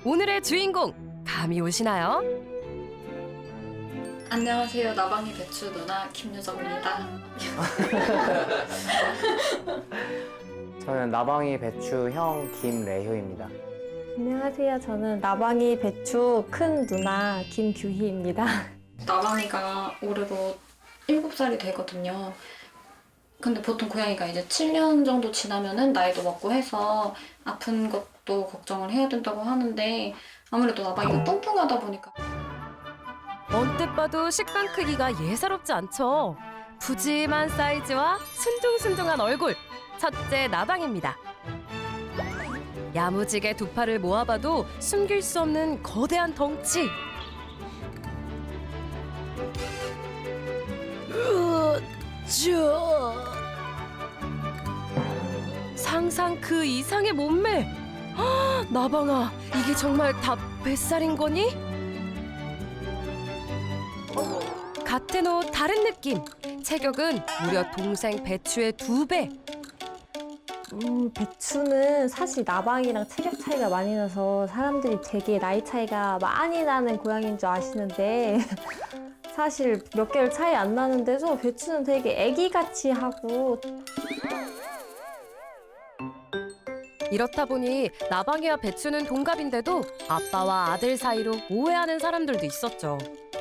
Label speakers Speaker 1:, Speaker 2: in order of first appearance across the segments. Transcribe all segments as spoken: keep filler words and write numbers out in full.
Speaker 1: 오늘의 주인공 감이 오시나요?
Speaker 2: 안녕하세요. 나방이 배추 누나 김유정입니다.
Speaker 3: 저는 나방이 배추 형 김래효입니다.
Speaker 4: 안녕하세요. 저는 나방이 배추 큰 누나 김규희입니다.
Speaker 2: 나방이가 올해로 일곱 살이 되거든요. 근데 보통 고양이가 이제 칠 년 정도 지나면은 나이도 먹고 해서 아픈 것도 걱정을 해야 된다고 하는데 아무래도 나방이가 뚱뚱하다 보니까
Speaker 1: 언뜻 봐도 식빵 크기가 예사롭지 않죠. 푸짐한 사이즈와 순둥순둥한 얼굴, 첫째 나방입니다. 야무지게 두 팔을 모아봐도 숨길 수 없는 거대한 덩치. 으쌰. 상상 그 이상의 몸매. 아, 나방아, 이게 정말 다 뱃살인 거니? 같은 옷 다른 느낌. 체격은 무려 동생 배추의 두 배.
Speaker 4: 음, 배추는 사실 나방이랑 체격 차이가 많이 나서 사람들이 되게 나이 차이가 많이 나는 고양이인 줄 아시는데 사실 몇 개월 차이 안 나는데도 배추는 되게 애기같이 하고
Speaker 1: 이렇다 보니 나방이와 배추는 동갑인데도 아빠와 아들 사이로 오해하는 사람들도 있었죠.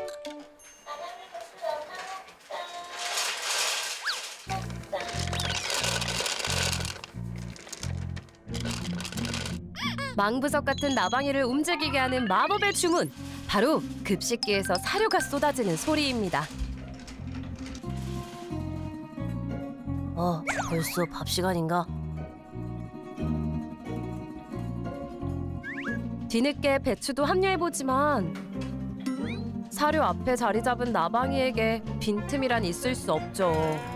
Speaker 1: 망부석 같은 나방이를 움직이게 하는 마법의 주문. 바로 급식기에서 사료가 쏟아지는 소리입니다. 어, 벌써 밥 시간인가? 뒤늦게 배추도 합류해보지만 사료 앞에 자리 잡은 나방이에게 빈틈이란 있을 수 없죠.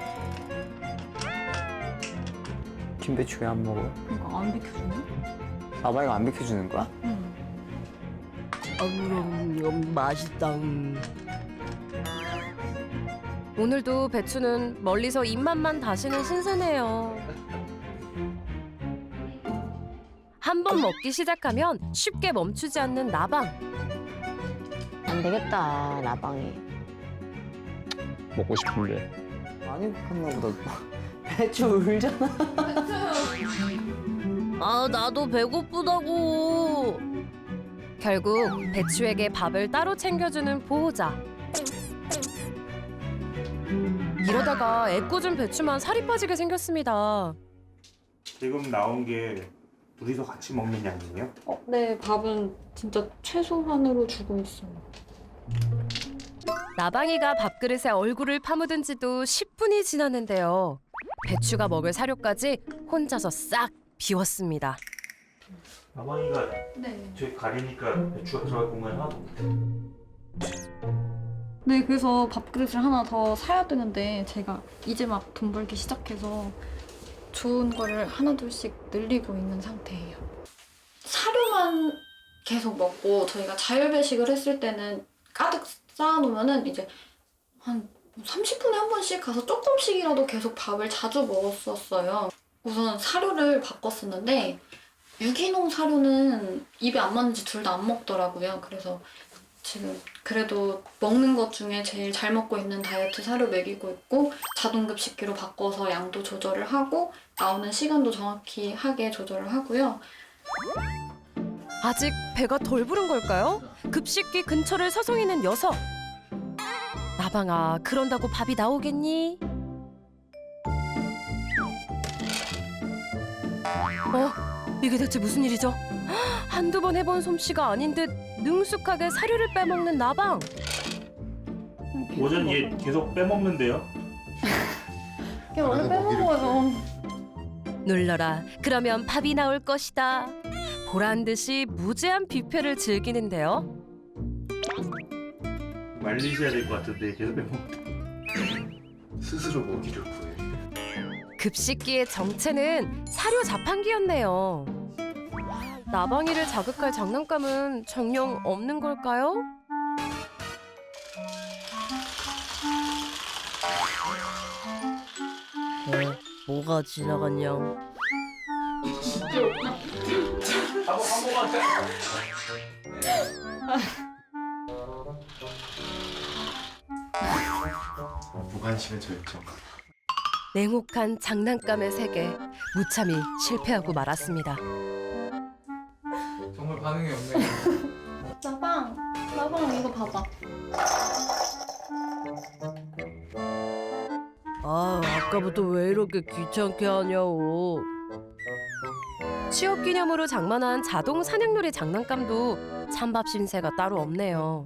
Speaker 3: 김배추 왜 안 먹어?
Speaker 2: 이거 안 비켜주네?
Speaker 3: 나방이가 안 비켜주는 거야?
Speaker 2: 응.
Speaker 1: 음, 맛있다. 오늘도 배추는 멀리서 입맛만 다시는 신선해요. 한 번 먹기 시작하면 쉽게 멈추지 않는 나방.
Speaker 5: 안 되겠다, 나방이.
Speaker 6: 먹고 싶은데.
Speaker 3: 많이 컸나 보다. 배추 울잖아.
Speaker 1: 아, 나도 배고프다고. 결국 배추에게 밥을 따로 챙겨주는 보호자. 이러다가 애꿎은 배추만 살이 빠지게 생겼습니다.
Speaker 7: 지금 나온 게 둘이서 같이 먹는 양이에요?
Speaker 2: 어, 네, 밥은 진짜 최소한으로 주고 있어요.
Speaker 1: 나방이가 밥그릇에 얼굴을 파묻은 지도 십 분이 지났는데요. 배추가 먹을 사료까지 혼자서 싹 비웠습니다.
Speaker 7: 나방이가
Speaker 2: 네.
Speaker 7: 저기 가리니까 배추가 들어갈 공간이 하나도 없네.
Speaker 2: 네, 그래서 밥그릇을 하나 더 사야 되는데 제가 이제 막 돈 벌기 시작해서 좋은 거를 하나둘씩 늘리고 있는 상태예요. 사료만 계속 먹고 저희가 자율배식을 했을 때는 가득 쌓아놓으면은 이제 한 삼십 분에 한 번씩 가서 조금씩이라도 계속 밥을 자주 먹었었어요. 우선 사료를 바꿨었는데 유기농 사료는 입에 안 맞는지 둘 다 안 먹더라고요. 그래서 지금 그래도 먹는 것 중에 제일 잘 먹고 있는 다이어트 사료 먹이고 있고 자동급식기로 바꿔서 양도 조절을 하고 나오는 시간도 정확히 하게 조절을 하고요.
Speaker 1: 아직 배가 덜 부른 걸까요? 급식기 근처를 서성이는 녀석. 나방아, 그런다고 밥이 나오겠니? 어? 이게 대체 무슨 일이죠? 한두 번 해본 솜씨가 아닌 듯 능숙하게 사료를 빼먹는 나방.
Speaker 7: 오전 얘 계속 빼먹는데요?
Speaker 2: 걔 원래 빼먹어요.
Speaker 1: 눌러라. 그러면 밥이 나올 것이다. 보란 듯이 무제한 뷔페를 즐기는데요.
Speaker 7: 말리셔야 될 것 같은데 계속 빼먹.
Speaker 6: 스스로 먹이를 구해.
Speaker 1: 급식기의 정체는 사료 자판기였네요. 나방이를 자극할 장난감은 정녕 없는 걸까요? 어, 뭐가 지나갔냐?
Speaker 6: 무관심의 절정.
Speaker 1: 냉혹한 장난감의 세계. 무참히 실패하고 말았습니다.
Speaker 6: 정말 반응이 없네요.
Speaker 2: 나방, 나방 이거 봐봐.
Speaker 1: 아, 아까부터 왜 이렇게 귀찮게 하냐고. 취업 기념으로 장만한 자동 사냥놀이 장난감도 찬밥 신세가 따로 없네요.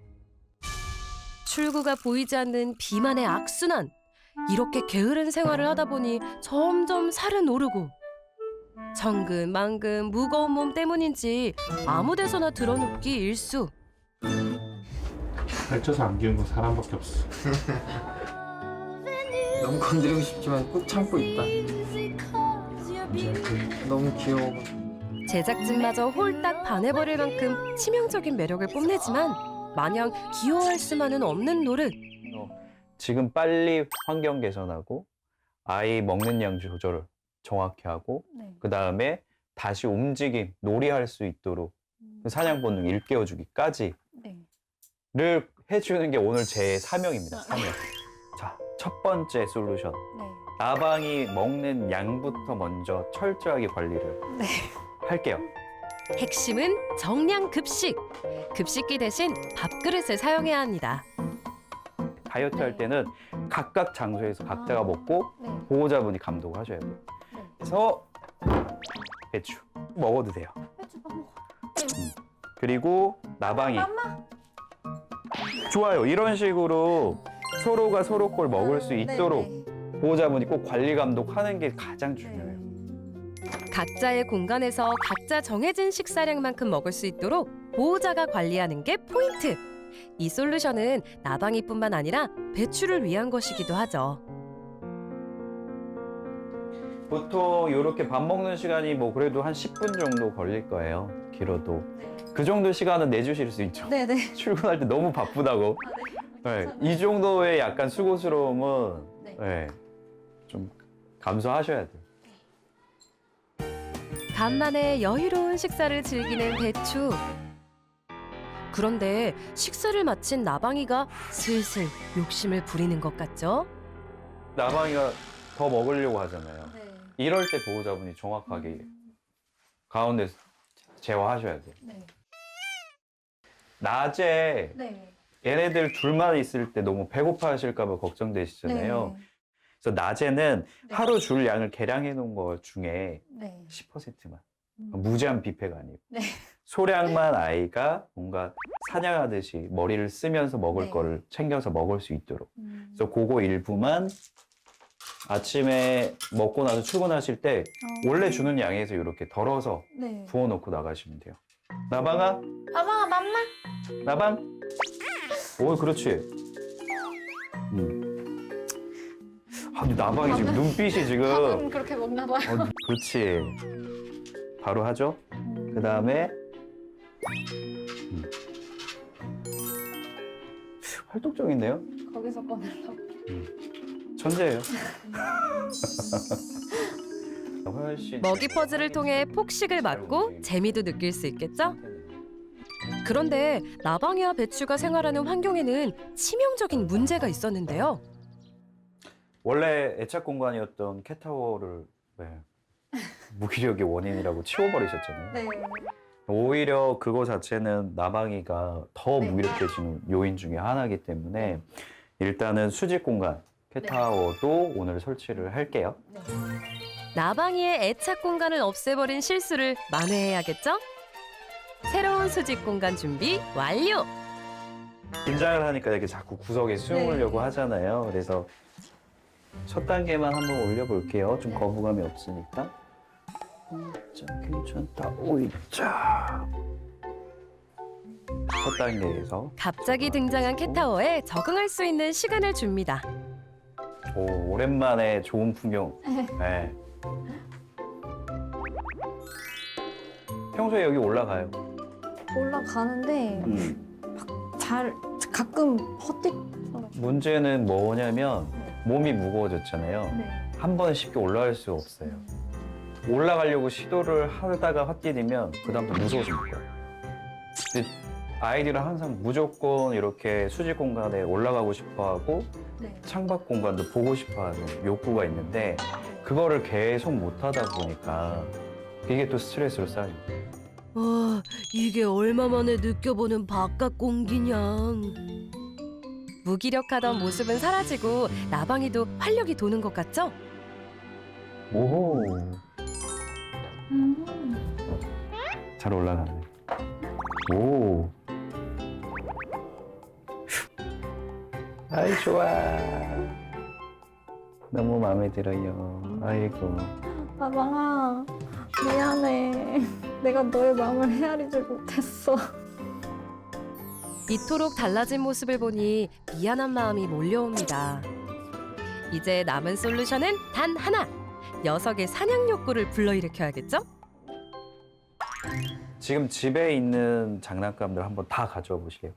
Speaker 1: 출구가 보이지 않는 비만의 악순환. 이렇게 게으른 생활을 하다 보니 점점 살은 오르고 천근만근 무거운 몸 때문인지 아무 데서나 드러눕기 일쑤.
Speaker 7: 걸쳐서 안 귀여운 건 사람밖에 없어.
Speaker 3: 너무 건드리고 싶지만 꾹 참고 있다. 너무 귀여워.
Speaker 1: 제작진마저 홀딱 반해버릴 만큼 치명적인 매력을 뽐내지만 마냥 귀여워할 수만은 없는 노릇.
Speaker 8: 지금 빨리 환경 개선하고 아이 먹는 양 조절을 정확히 하고
Speaker 2: 네.
Speaker 8: 그 다음에 다시 움직임, 놀이할 수 있도록 그 사냥 본능 일깨워주기까지를
Speaker 2: 네.
Speaker 8: 해주는 게 오늘 제 사명입니다. 사명. 자, 첫 번째 솔루션.
Speaker 2: 네.
Speaker 8: 나방이 먹는 양부터 먼저 철저하게 관리를
Speaker 2: 네.
Speaker 8: 할게요.
Speaker 1: 핵심은 정량 급식. 급식기 대신 밥그릇을 사용해야 합니다.
Speaker 8: 다이어트 할 때는 각각 장소에서 각자가 먹고
Speaker 2: 네.
Speaker 8: 보호자분이 감독을 하셔야 돼요. 그래서 배추 먹어도 돼요.
Speaker 2: 배추 밥 먹어.
Speaker 8: 그리고 나방이 좋아요. 이런 식으로 서로가 서로 걸 먹을 수 있도록 보호자분이 꼭 관리 감독하는 게 가장 중요해요.
Speaker 1: 각자의 공간에서 각자 정해진 식사량만큼 먹을 수 있도록 보호자가 관리하는 게 포인트. 이 솔루션은 나방이뿐만 아니라 배추를 위한 것이기도 하죠.
Speaker 8: 보통 이렇게 밥 먹는 시간이 뭐 그래도 한 십 분 정도 걸릴 거예요. 길어도. 그 정도 시간은 내주실 수 있죠.
Speaker 2: 네네.
Speaker 8: 출근할 때 너무 바쁘다고. 네, 이 정도의 약간 수고스러움은
Speaker 2: 네.
Speaker 8: 네, 좀 감수하셔야 돼요.
Speaker 1: 간만에 여유로운 식사를 즐기는 배추. 그런데 식사를 마친 나방이가 슬슬 욕심을 부리는 것 같죠?
Speaker 8: 나방이가 더 먹으려고 하잖아요.
Speaker 2: 네.
Speaker 8: 이럴 때 보호자분이 정확하게 가운데 제어하셔야 돼요.
Speaker 2: 네.
Speaker 8: 낮에
Speaker 2: 네.
Speaker 8: 얘네들 둘만 있을 때 너무 배고파 하실까 봐 걱정되시잖아요. 그래서 낮에는
Speaker 2: 네.
Speaker 8: 하루 줄 양을 계량해 놓은 것 중에
Speaker 2: 네.
Speaker 8: 십 퍼센트만.
Speaker 2: 음.
Speaker 8: 무제한 뷔페가 아니고.
Speaker 2: 네.
Speaker 8: 소량만 아이가 뭔가 사냥하듯이 머리를 쓰면서 먹을
Speaker 2: 네.
Speaker 8: 거를 챙겨서 먹을 수 있도록.
Speaker 2: 음.
Speaker 8: 그래서 그거 일부만 아침에 먹고 나서 출근하실 때
Speaker 2: 어.
Speaker 8: 원래 주는 양에서 이렇게 덜어서
Speaker 2: 네.
Speaker 8: 부어놓고 나가시면 돼요. 나방아,
Speaker 2: 나방아 맘마.
Speaker 8: 나방. 오, 그렇지. 음. 아, 근데 나방이 지금 눈빛이 지금.
Speaker 2: 밥은 그렇게 먹나 봐요.
Speaker 8: 어, 그렇지. 바로 하죠. 그 다음에 음. 활동적인데요?
Speaker 2: 거기서 꺼내려고.
Speaker 8: 천재예요. 훨씬
Speaker 1: 먹이 퍼즐을 통해 폭식을 막고 재미도 느낄 수 있겠죠? 그런데 나방이와 배추가 생활하는 환경에는 치명적인 문제가 있었는데요.
Speaker 8: 원래 애착 공간이었던 캣타워를 네, 무기력의 원인이라고 치워버리셨잖아요.
Speaker 2: 네.
Speaker 8: 오히려 그거 자체는 나방이가 더
Speaker 2: 네.
Speaker 8: 무기력해지는 요인 중에 하나이기 때문에 일단은 수직 공간 캣타워도 오늘 설치를 할게요.
Speaker 2: 네.
Speaker 1: 나방이의 애착 공간을 없애버린 실수를 만회해야겠죠? 새로운 수직 공간 준비 완료!
Speaker 8: 긴장을 하니까 이렇게 자꾸 구석에 숨으려고
Speaker 2: 네.
Speaker 8: 하잖아요. 그래서 첫 단계만 한번 올려볼게요. 좀 거부감이 없으니까. 자, 괜찮다. 오이자. 첫 단계에서
Speaker 1: 갑자기 등장한 캣타워에 적응할 수 있는 시간을 줍니다.
Speaker 8: 오, 오랜만에 좋은 풍경. 네. 평소에 여기 올라가요.
Speaker 4: 올라가는데
Speaker 8: 음.
Speaker 4: 잘 가끔 헛짓.
Speaker 8: 문제는 뭐냐면 몸이 무거워졌잖아요.
Speaker 2: 네.
Speaker 8: 한 번에 쉽게 올라갈 수 없어요. 올라가려고 시도를 하다가 헛디디면 그다음부터 무서워질 거예요. 근데 아이들은 항상 무조건 이렇게 수직 공간에 올라가고 싶어하고
Speaker 2: 네.
Speaker 8: 창밖 공간도 보고 싶어하는 욕구가 있는데 그거를 계속 못하다 보니까 이게 또 스트레스로 쌓이고.
Speaker 1: 와, 이게 얼마 만에 느껴보는 바깥 공기냐. 무기력하던 모습은 사라지고 나방이도 활력이 도는 것 같죠?
Speaker 8: 오호,
Speaker 2: 음.
Speaker 8: 잘 올라가네. 오, 아이 좋아. 너무 마음에 들어요. 아이고.
Speaker 2: 나방아, 미안해. 내가 너의 마음을 헤아리지 못했어.
Speaker 1: 이토록 달라진 모습을 보니 미안한 마음이 몰려옵니다. 이제 남은 솔루션은 단 하나. 녀석의 사냥 욕구를 불러일으켜야겠죠?
Speaker 8: 지금 집에 있는 장난감들 한번 다 가져와 보실래요?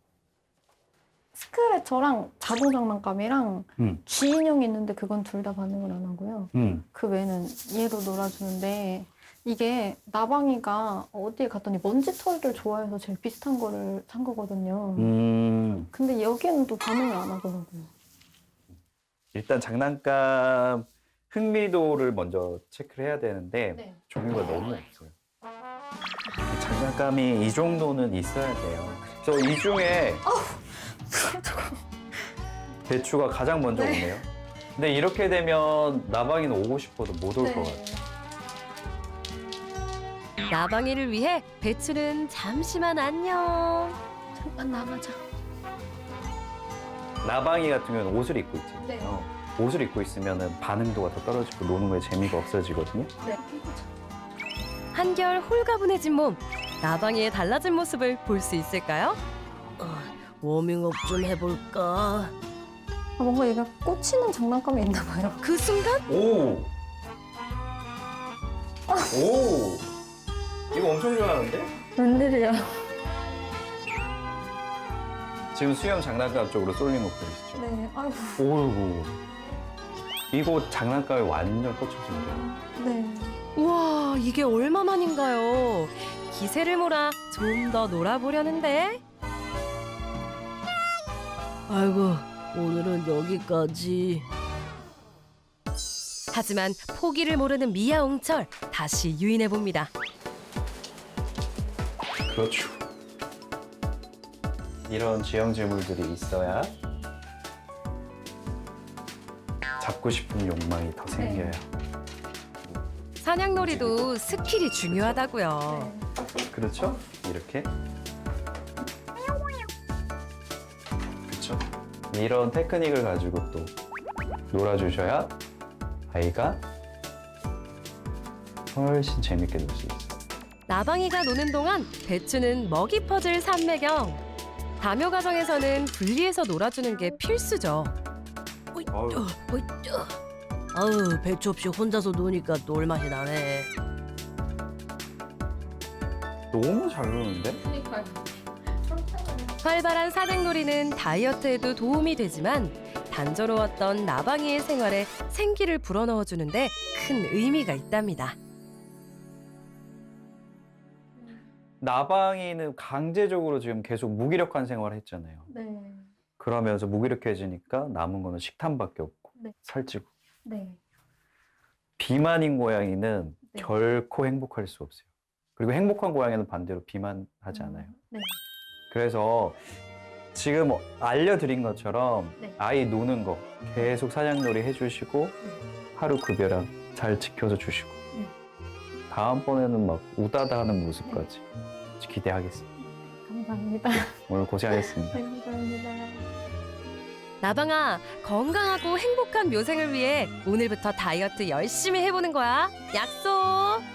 Speaker 2: 스크래처랑 자동 장난감이랑
Speaker 8: 음.
Speaker 2: 쥐인형이 있는데 그건 둘 다 반응을 안 하고요.
Speaker 8: 음.
Speaker 2: 그 외에는 얘로 놀아주는데 이게 나방이가 어디에 갔더니 먼지털이를 좋아해서 제일 비슷한 거를 산 거거든요.
Speaker 8: 음.
Speaker 2: 근데 여기는 또 반응을 안 하더라고요.
Speaker 8: 일단 장난감 흥미도를 먼저 체크를 해야 되는데
Speaker 2: 네.
Speaker 8: 종류가 너무 없어요. 장난감이 이 정도는 있어야 돼요. 그래서 이 중에 배추가 가장 먼저
Speaker 2: 네.
Speaker 8: 오네요. 근데 이렇게 되면 나방이는 오고 싶어도 못 올 것
Speaker 2: 네.
Speaker 8: 같아요.
Speaker 1: 나방이를 위해 배추는 잠시만 안녕.
Speaker 2: 잠깐 나가자.
Speaker 8: 나방이 같은 경우는 옷을 입고 있잖아요.
Speaker 2: 네.
Speaker 8: 옷을 입고 있으면 반응도가 더 떨어지고 노는 거에 재미가 없어지거든요.
Speaker 2: 네.
Speaker 1: 한결 홀가분해진 몸. 나방이의 달라진 모습을 볼 수 있을까요? 워밍업 좀 해볼까?
Speaker 2: 아, 뭔가 얘가 꽂히는 장난감이 있나 봐요.
Speaker 1: 그 순간
Speaker 8: 오! 오! 이거 엄청 좋아하는데?
Speaker 2: 웬일이야.
Speaker 8: 지금 수영 장난감 쪽으로 쏠린 거 보이시죠?
Speaker 2: 네. 아이고.
Speaker 8: 오이고. 이거 장난감에 완전 꽂혔습니다.
Speaker 2: 네.
Speaker 1: 우와, 이게 얼마만인가요? 기세를 몰아 좀 더 놀아보려는데. 아이고, 오늘은 여기까지. 하지만 포기를 모르는 미야옹철 다시 유인해 봅니다.
Speaker 8: 그렇죠. 이런 지형지물들이 있어야 잡고 싶은 욕망이 더 생겨요.
Speaker 1: 사냥놀이도 스킬이 중요하다고요.
Speaker 8: 그렇죠? 이렇게. 그렇죠. 이런 테크닉을 가지고 또 놀아주셔야 아이가 훨씬 재밌게 놀 수 있어요.
Speaker 1: 나방이가 노는 동안 배추는 먹이 퍼즐 삼매경. 다묘 가정에서는 분리해서 놀아주는 게 필수죠.
Speaker 8: 어휴.
Speaker 1: 아우, 배추 없이 혼자서 노니까 놀 맛이 나네.
Speaker 8: 너무 잘 노는데?
Speaker 2: 그러니까요.
Speaker 1: 활발한 사냥놀이는 다이어트에도 도움이 되지만 단조로웠던 나방이의 생활에 생기를 불어넣어주는데 큰 의미가 있답니다.
Speaker 8: 나방이는 강제적으로 지금 계속 무기력한 생활을 했잖아요.
Speaker 2: 네.
Speaker 8: 그러면서 무기력해지니까 남은 거는 식탐밖에 없고
Speaker 2: 네.
Speaker 8: 살찌고.
Speaker 2: 네.
Speaker 8: 비만인 고양이는
Speaker 2: 네.
Speaker 8: 결코 행복할 수 없어요. 그리고 행복한 고양이는 반대로 비만하지 않아요.
Speaker 2: 네.
Speaker 8: 그래서 지금 알려드린 것처럼
Speaker 2: 네.
Speaker 8: 아이 노는 거 계속 사냥놀이 해주시고 하루 급여량 잘 지켜서 주시고
Speaker 2: 네.
Speaker 8: 다음번에는 막 우다다 하는 모습까지 기대하겠습니다.
Speaker 2: 감사합니다.
Speaker 8: 오늘 고생하셨습니다.
Speaker 2: 네, 감사합니다.
Speaker 1: 나방아, 건강하고 행복한 묘생을 위해 오늘부터 다이어트 열심히 해보는 거야. 약속!